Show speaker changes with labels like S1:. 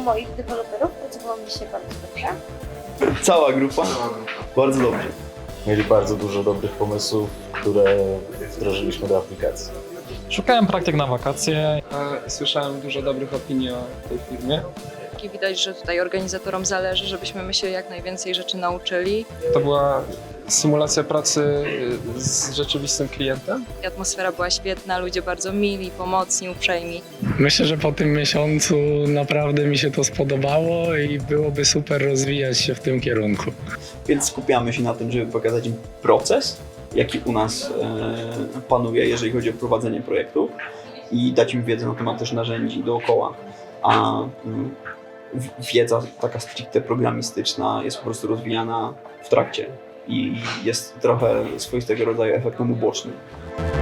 S1: moich deweloperów pracowało mi się bardzo dobrze.
S2: Cała grupa? Bardzo dobrze.
S3: Mieli bardzo dużo dobrych pomysłów, które wdrożyliśmy do aplikacji.
S4: Szukałem praktyk na wakacje.
S5: Słyszałem dużo dobrych opinii o tej firmie.
S6: I widać, że tutaj organizatorom zależy, żebyśmy my się jak najwięcej rzeczy nauczyli.
S5: To była symulacja pracy z rzeczywistym klientem.
S6: I atmosfera była świetna, ludzie bardzo mili, pomocni, uprzejmi.
S7: Myślę, że po tym miesiącu naprawdę mi się to spodobało i byłoby super rozwijać się w tym kierunku.
S2: Więc skupiamy się na tym, żeby pokazać im proces, jaki u nas panuje, jeżeli chodzi o prowadzenie projektów i dać im wiedzę na temat też narzędzi dookoła. A wiedza taka stricte programistyczna jest po prostu rozwijana w trakcie i jest trochę swoistego rodzaju efektem ubocznym.